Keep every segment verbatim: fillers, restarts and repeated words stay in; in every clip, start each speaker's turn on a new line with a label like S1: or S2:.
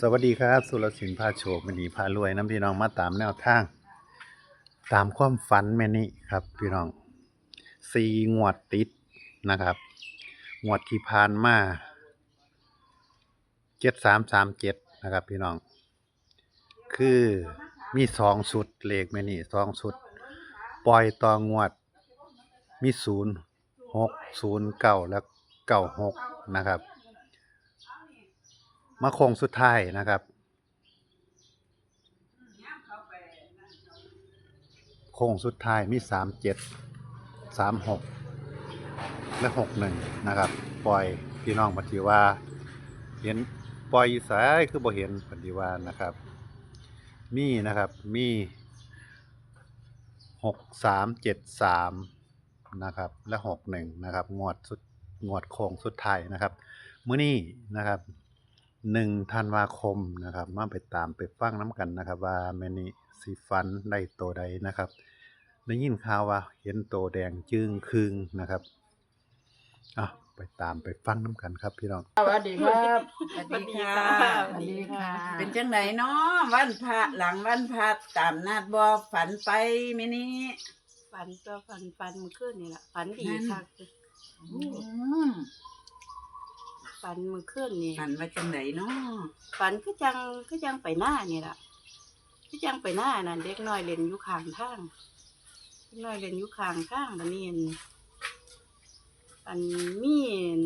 S1: วัสดีครับสุรศิลป์พาโชคมณีพารวยน้ำพี่น้องมาตามแนวทางตามความฝันแม่นี่ครับพี่น้องสี่งวดติดนะครับงวดที่ผ่านมาเจ็ดสามสามเจ็ดนะครับพี่น้องคือมีสองชุดเลขแม่นี่สองชุดปล่อยต่องวดมีศูนย์หกศูนย์เก้าและเก้าหกนะครับมาโค้งสุดท้ายนะครับโค้งสุดท้ายมีสามเจ็ดสามหกและหกหนึ่งนะครับปล่อยพี่น้องปฏิว่าเห็นปล่อยสายคือบ่เห็นปฏิว่านะครับมีนะครับมีหกสามเจ็ดสามนะครับและหกหนึ่งนะครับงวดสุดงวดโค้งสุดท้ายนะครับมื้อนี้นะครับหนึ่งธันวาคมนะครับมาไปตามไปฟังน้ำกันนะครับว่าแม่นี่สิฟันได้โตใดนะครับได้ยินข่าวว่าเห็นโตแดงจึงครึ่งนะครับอ่ะไปตามไปฟังน้ำกันครับพี่น้อง
S2: สวัสดีครับ
S3: สวัสดีค่ะ
S2: สวัสดีค่ะเป็นจังไหนเนาะวันพระหลังวันพระตามนัดบ่ฝันไปมื้อนี้
S3: ฝันตัวฝันฝันเมื่อคืนนี่แหละฝันดีค่ะฝันเมื่อคืนนี่
S2: ฝันว่าจังไหนเนาะ
S3: ฝันก็จังก็จังไปหน้านี่แหละก็จังไปหน้านั่นเด็กน้อยเล่นอยู่ข้างทางเด็กน้อยเล่นอยู่ข้างทางบัดนี้อันมี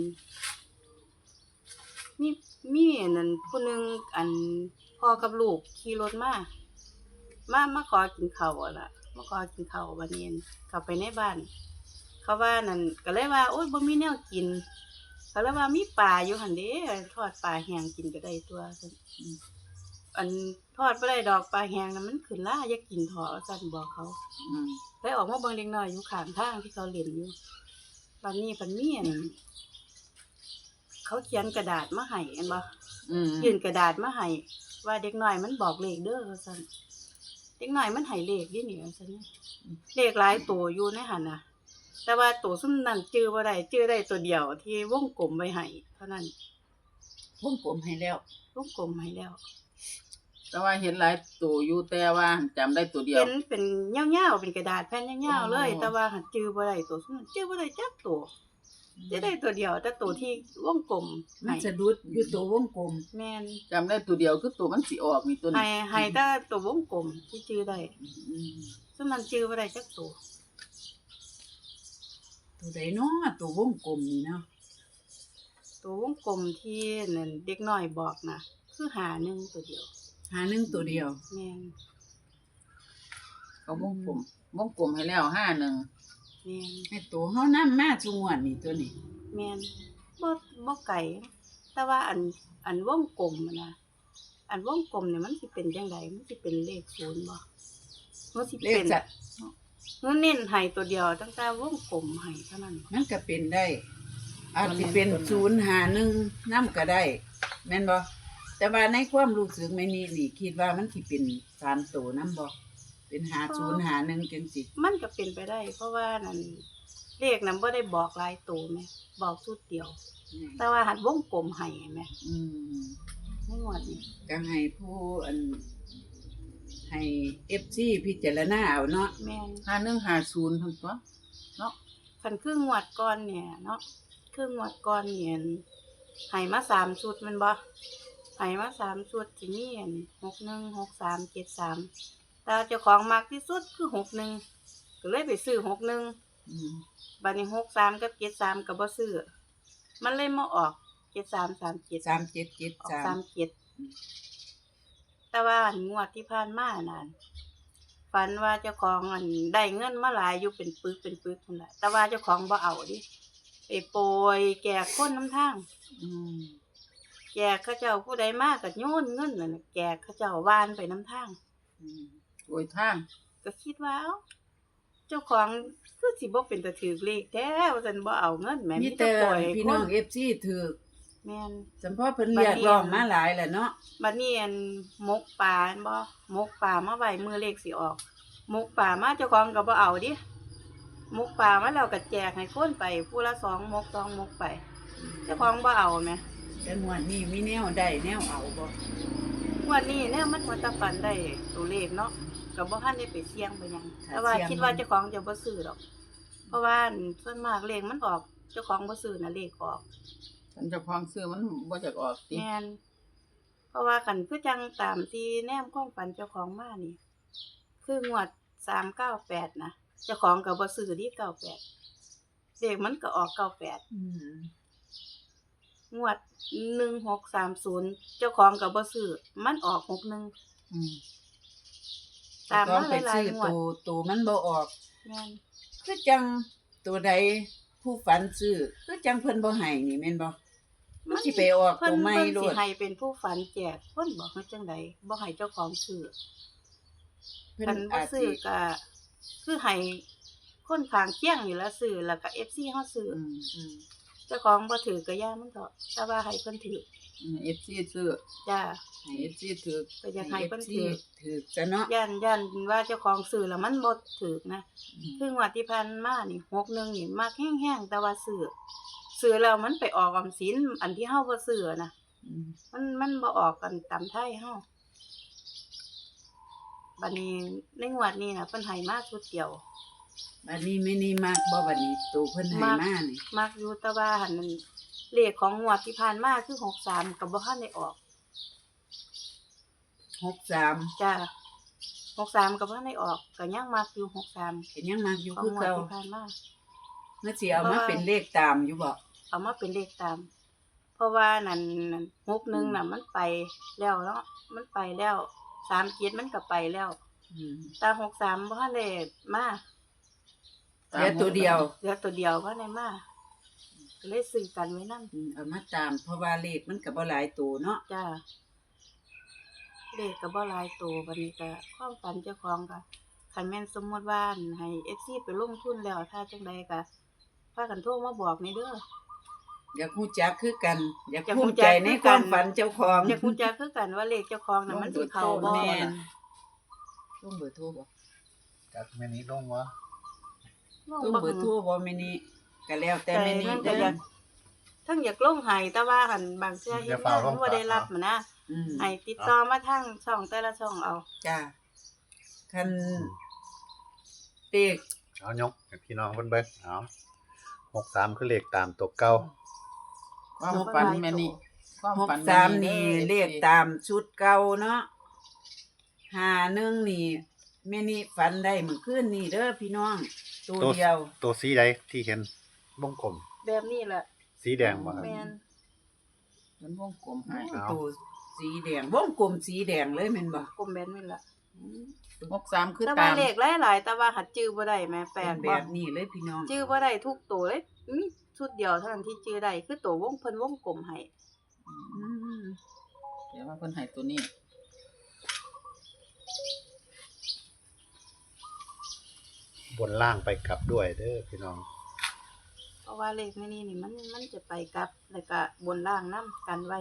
S3: มีมีนั่นผู้นึงอันพ่อกับลูกขี่รถมามามาขอกินข้าวล่ะมาขอกินข้าวบัดนี้เข้าไปในบ้านเขาว่านั่นก็เลยว่าโอ๊ยบ่มีแนวกินเขาเลยว่ามีปลาอยู่หั่นเด้ทอดปลาแห้งกินก็ได้ตัวซั่นอันทอดบ่ได้ดอกปลาแห้งน่ะมันขึ้นลาอย่ากินเถาะซั่นบอกเขาอืมเลยออกมาเบิ่งเด็กน้อยอยู่ข้างทางที่เขาเล่นอยู่บัดนี้เพิ่นมีอันเขาเขียนกระดาษมาให้อันบ่อืมยื่นกระดาษมาให้ว่าเด็กน้อยมันบอกเลขเด้อว่าซั่นเด็กน้อยมันให้เลขดินี่ว่าซั่นเลขหลายตัวอยู่ในหั่นน่ะแต่ว่าตัวซุ่มนั้นจื้อบ่ได้จื้อได้ตัวเดียวที่วงกลมไว้ให้เท่านั้น
S2: วงกลมให้แล้ว
S3: วงกลมให้แล้ว
S2: แต่ว่าเห็นหลายตัวอยู่แต่ว่าจำได้ตัวเดียว
S3: เห็นเป็นยาวๆเป็นกระดาษแผ่นยาวๆเลยแต่ว่าหันจื้อบ่ได้ตัวซุ่มจื้อบ่ได้จักตัวจะได้ตัวเดียวแต่ตัวที่วงกลม
S2: มันสะดุดอยู่ตัววงกลม
S3: แม่น
S2: จำได้ตัวเดียวคือตัวมันสิออกนี่ตัวนี้
S3: ให้ให้แต่ตัววงกลมที่จื้อได้ซุ่มนั้นจื้อบ่ได้จักตัว
S2: ตัวใดเนาะตัววงกลมนี่เนาะ
S3: ตัววงกลมที่นั่นเด็กน้อยบอกน่ะคือหาหนึ่งตัวเดียว
S2: หาหนึ่งตัวเดียว
S3: แม่น
S2: เขาวงกลมวงกลมให้แล้วห้าหนึ่ง
S3: แม่น
S2: ให้ตัวเฮานำมาซุงวดนี่ตัวนี้
S3: แม่นบ่บ่ไกลแต่ว่าอันอันวงกลมน่ะอันวงกลมเนี่ยมันสิเป็นจังไดมันสิเป็นเลขศูนย์บ่มันสิเป็นมันเน้นให้ตัวเดียวตั้งแต่วงกลมให้เท่านั้น
S2: มันก็เป็นได้อาจสิเป็นศูนย์หาหนึ่งนำก็ได้แม่นบ่แต่ว่าในความรู้สึกแม่นี่นี่คิดว่ามันสิเป็นสามตัวนำบ่เป็นหาศูนย์หาหนึ่งจังซี่
S3: มันก็เป็นไปได้เพราะว่านั่นเลขนั้นบ่ได้บอกหลายตัวแม่บอกชุดเดียวแต่ว่าหัดวงกลมให้แม่
S2: อืม
S3: ในงวดนี้
S2: ก็ให้ผู้อันให้ เอฟ ซี พิจารณาเอาเนาะ
S3: แม่น
S2: หาหนึ่งหาศูนย์ซั่นตัวเนาะ
S3: คันคืองวดก่อนเนี่ยเนาะคืองวดก่อนเนี่ยให้มาสามชุดแม่นบ่ให้มาสามชุดสิมีอันหกหนึ่ง หกสาม เจ็ดสามแต่เจ้าของมักที่สุดคือหกหนึ่งก็เลยไปซื้อหกหนึ่งอืมบัดนี้หกสามกับเจ็ดสามก็บ่ซื้อมันเลยมาออกเจ็ดสาม สามเจ็ด
S2: สามเจ็ด เจ็ดสาม
S3: สามเจ็ดแต่ว่างวดที่ผ่านมานั่นฝันว่าเจ้าของอันได้เงินมาหลายอยู่เป็นปึกเป็นปึกพุ่นน่ะแต่ว่าเจ้าของบ่เอาดิไปโปรยแก่คนนำทางอืมแก่เขาเจ้าผู้ใดมาก็โยนเงินนั่นน่ะแก่เขาเจ้าวานไปนำทาง
S2: อืมโอยทาง
S3: ก็คิดว่าเอ้าเจ้าของคือสิบ่เป็นตาถูกเลขแท้ว่าซั่นบ่เอาเงินแม่
S2: มีแต่พี่น้อง เอฟ ซี ถูก
S3: แม่น
S2: จำเพาะเพิ่นเรียกร้องมาหลายแหละเนาะ
S3: บัดนี้อันมกปลาบ่มกปลามาไว้มื้อเลขสิออกมกปลามาเจ้าของก็บ่เอาดิมกปลามาแล้วก็แจกให้คนไปผู้ละสองมกสองมกไปเจ้าของบ่เอาแม่
S2: แต่งวดนี้มีแนวได้แนวเอาบ่
S3: งวดนี้เนี่ยมันหัวตะฝันได้ตัวเลขเนาะก็บ่ทันได้ไปเสี่ยงไปหยังแต่ว่าคิดว่าเจ้าของจะบ่ซื้อดอก เพราะว่าส่วนมากเลขมันออกเจ้าของบ่ซื้อน่ะเลขออก
S4: ฉันเจ้าของซื้อมันบ่จักออกติ
S3: แม่นเพราะว่าคันคือจังตามที่แนมความฝันเจ้าของมานี่ คืองวดสามเก้าแปดนะเจ้าของก็บ่ซื้อดิเก้าแปดเลขมันก็ออกเก้าแปด
S2: อืม
S3: งวดหนึ่งหกสามศูนย์เจ้าของก็บ่ซื้อมันออกหกหนึ่ง
S4: อืม
S3: ตาม
S2: ต้อ
S3: มาง
S2: ไป
S3: หลาย
S2: ซื้อ
S3: ๆงวด
S2: ตัวตัวมันบ่ออก
S3: แม่น
S2: คือจังตัวใดผู้ฝันซื้อคือจังเพิ่นบ่ให้นี่แม่นบ่มันสิไปออก
S3: เพิ่
S2: ตั
S3: น
S2: วใหม่
S3: เพิ่น
S2: โล
S3: สิ
S2: ด
S3: ให้เป็นผู้ฝันแจกคนบอกให้จังไดบ่ให้เจ้าของซื้อ
S2: เพิ่น
S3: คันบ่
S2: อาจ
S3: ซื้
S2: สิ
S3: อก็คือให้คนข้างเคียงนี่ละซื้อแล้วก็ เอฟ ซี เฮาซื้อ
S4: อืม
S2: อืม
S3: เจ้าของบ่ถือก็ย่ามันเถาะแต่ว่าให้เพิ่นถือ
S4: อืม เอฟ ซี ซื้อ
S3: จ้า
S4: ให้ เอฟ ซี ถือ
S3: ก็อยากให้เพิ่นถือ
S2: ถือซะเนาะ
S3: ย่านย่านว่าเจ้าของซื้อแล้วมันบ่ถือนะ
S4: อืม
S3: คืองวดที่ผ่านมานี่หกหนึ่งนี่มักแห้งๆแต่ว่าซื้อซื้อแล้วมันไปออกออมสินอันที่เฮาบ่ซื้อนะ
S2: อืม
S3: มันมันบ่ออกกันตามไทยเฮาบัดนี้ในงวดนี้น่ะเพิ่นให้มาชุดเดียว
S2: บัดนี้แม่นี่มักบ่บัดนี้ตัวเพิ่นให้
S3: มัก
S2: มานี่
S3: มักอยู่แต่ว่าหั่นมันเลขของงวดที่ผ่านมาคือหกสามก็บ่ทันได้ออก
S2: หกสาม
S3: จ้าหกสามก็บ่ทันได้ออกก็ยังมักอยู่หกสาม
S2: ก็ยังมักอยู่
S3: ของ
S2: คือง
S3: วด
S2: เก่า
S3: ที่ผ่านมา
S2: เมื่อสิเอามาเป็นเลขตามอยู่บ่
S3: เอามาเป็นเลขตาม เพราะว่านั่นนั่นหกหนึ่งน่ะมันไปแล้วเนาะมันไปแล้วสามเจ็ดมันก็ไปแล้ว
S2: อืม
S3: แต่หกสามบ่ทันได้มา
S2: เหลือตัวเดียว
S3: เหลือตัวเดียวบ่ได้มาก็เลยซื้อกันไว้นำ
S2: อืมเอามาตาม เพราะว่าเลขมันก็บ่หลายตัวเนาะ
S3: จ้าเลขก็บ่หลายตัวบัดนี้ก็ความฝันเจ้าของก็คันแม่นสมมุติว่าอั่นให้ เอฟ ซี ไปลงทุนแล้วถ้าจังใดก็พากันโทรมาบอกนี่เด้อ
S2: อยากรู้จักคือกัน อยาก
S3: อยาก
S2: ภู
S3: รู้
S2: มิ
S3: จั
S2: ใจ
S3: ก
S2: ใน
S3: คือ
S2: ค
S3: กัน
S2: วามฝันเจ้าของ
S3: อยากรู้จักคือกันว่าเลขเจ้าของน่ะมันสิเข้าบ่
S2: แม่น
S4: ลงเบอร์โทรบ่
S1: จากแม่นี้ลงวะ
S2: ต้องเบอร์โทรบ่แม่นี่ก็แล้วแต่แม่นี่
S3: แต่
S2: เด้
S3: อ
S2: อ
S3: ยากทั้งอยากลงให้แต่ว่าหันบางเทื่อเฮ็ดงานมันบ่ได้รับมันนะ
S2: อืม
S3: ให้ติดต่อมาทางช่องแต่ละช่องเอา
S2: จ้าคันเลข
S1: เอายกให้พี่น้องเพิ่นเบิ่งเอาหกสามคือเลขตามตัวเก่า
S4: ความฝันแม่นี่ความ
S2: หก
S4: ฝัน
S2: สาม
S4: แ
S2: นี่เลขตามชุดเก่าเนาะห้าหนึ่งนี่แม่นี่ฝันได้เมื่อคืนนี่เด้อพี่น้อง ตัวเดียว
S1: ตัวสีใดที่เห็นวงกลม
S3: แบบนี้แหละ
S1: สีแดงบ่ครับ
S3: แม่น
S4: มันวงกลมให้
S1: เอา
S2: ตัวสีแดงวงกลมสีแดงเลยแม่นบ่
S3: กลมแบบนี้แหละ
S4: หกสามคือ
S3: แต่
S4: ตา
S3: ว่าม เลขหลายๆแต่ว่าหัดจื้อบ่ได้แม่แปล
S2: เป็น
S3: ก
S2: แบ
S3: บ่
S2: บนี้เลยพี่น้อง
S3: จื้อบ่ได้ทุกตัวเลยมีชุดเดียวเท่านั้นที่จื้อได้คือตัววงเพิ่นวงกลมให้
S2: อืม
S4: เดี๋ยวว่าเพิ่นให้ตัวนี้
S1: บนล่างไปกลับด้วยเด้อพี่น้อง
S3: เพราะว่าเลขในนี้นี่มันมันจะไปกลับแล้วก็บนล่างนํกันไว้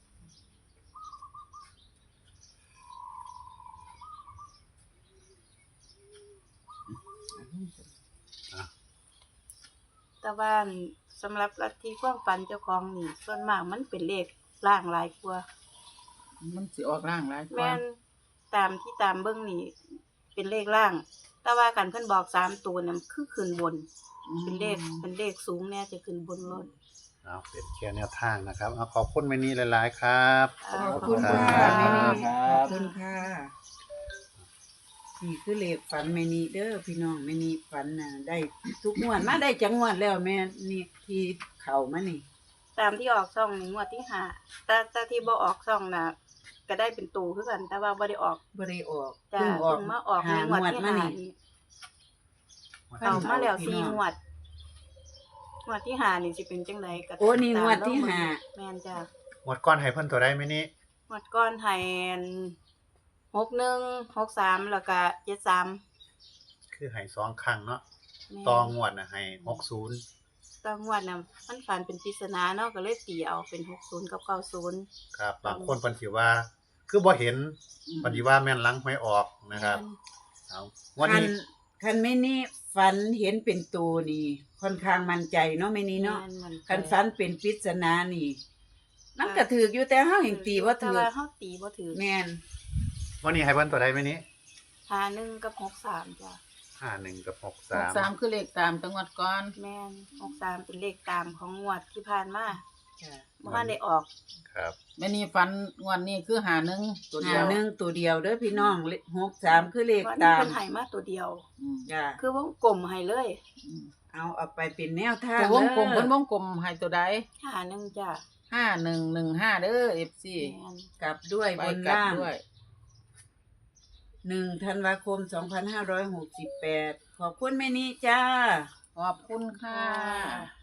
S3: แต่ว่าสำหรับลัทธิความฝันเจ้าของนี่ส่วนมากมันเป็นเลขล่างหลายกว่า
S4: มันสิออกร่างหลายกว่า
S3: แม่นตามที่ตามเบิ่งนี่เป็นเลขล่าง แต่ว่ากันเพิ่นบอกสามตัวนี่มันคือขึ้นบน เป็นเลขเป็นเลขสูงแน่จะขึ้นบนรถ
S1: เอาเป็นแค่แนวทางนะครับเอาขอบคุณแม่นี้หลายๆครับ
S2: ขอบคุณ
S1: ครั
S2: ค่ะ
S1: บ
S2: แม่นี่
S4: ครั
S2: ขอบ บคุณค่ะนี่คือเลขฝันแม่นี่เด้อพี่น้องแม่นี่ฝันน่ะได้ทุกงวดมาได้จังงวดแล้วแม่นี่ที่เข้ามานี่
S3: ตามที่ออกช่องนี่งวดที่ห้าแต่แต่ที่บ่ออกช่องน่ะก็ได้เป็นตูคือกัน แต่ว่าบ่ได้ออก
S2: บ่ได้ออก
S3: จ้า
S2: เพิ่งออก
S3: เพิ่งมาออกใน
S2: หาง
S3: วด
S2: งวด
S3: ที่
S2: มา
S3: ห้า
S2: นี่
S3: นี่เอามาแล้วสี่งวดงวดที่ห้านี่สิเป็นจังไดก็
S2: โอ้นี่
S3: ตาม
S2: งวดที่
S3: เรเบิ่ง
S2: ห้า
S3: แม่นจ้า
S1: หมดก้อนให้เพิ่นตัวใดแม่นี้
S3: งวดก่อนให้หกหนึ่ง หกสามแล้วก็เจ็ดสาม
S1: คือให้สองครั้งเนาะ
S3: แม่น
S1: ต่องวดน่ะให้หกสิบ
S3: ตอนงวดน่ะมันฝันเป็นปริศนาเนาะก็เลยตีเอาเป็นหกสิบกับเก้าสิบ
S1: ครับบางคนเพิ่นสิว่า คือบ่เห็นเพิ่นสิว่าแม่นหลังหวยออกนะครับเอาวัน
S2: คัน
S1: นี้
S2: คันแม่นี่ฝันเห็นเป็นตัวนี่ค่อนข้างมั่นใจเนาะแม่นี่เนาะ
S3: แม่มั
S2: คันฝันเป็นปริศนานี่มันก็ถือกอยู่แต่เฮาแห่งตีบ่
S3: แต่
S2: ถือ
S3: ว่าเฮาตีบ่ถือ
S2: แม่น
S1: วันนี้ให้เพิ่นตัวใดไหมนี้
S3: หาหนึ่งกับหกสามจ้ะ
S1: ห้าหนึ่งกับหก
S4: ห
S1: สาก ม
S4: สามคือเลขตามจังหวัดก่อน
S3: แม่นหกสามเป็นเลขตามของงวดที่ผ่านมา
S2: จ้ะ
S3: บ่ทันได้ออก
S1: ครับ
S4: แม่นี่ฟันงวดนี้คือหาหนึ่งตัวเดี
S2: หา
S4: ยว
S2: หนึ่งตัวเดียวเด้อพี่น้องเลขหกสามคือเลข
S3: วัน
S2: ตา
S3: นี้
S2: ม
S3: เพิ่นให้มาตัวเดียว
S4: อืม
S2: จ้ะ
S3: คือวงกลมให้เลย
S4: อืม
S2: เอาเอาไปเป็นแนวทาง
S4: ตัววงกลม
S2: เด้อ
S4: เพิ่นวงกลมให้ตัวใด
S3: หาหนึ่งจ้ะ
S4: ห้าหนึ่งหนึ่งห้าเด้อ เอฟ ซี
S3: แม่น
S2: กลับด้วย
S4: ไป
S2: บน
S4: กลับ
S2: ล่าง
S4: ด้วย
S2: หนึ่งธันวาคมสองพันห้าร้อยหกสิบแปดขอบคุณแม่นี้จ้า
S4: ขอบคุณค่ะ
S3: ค่ะ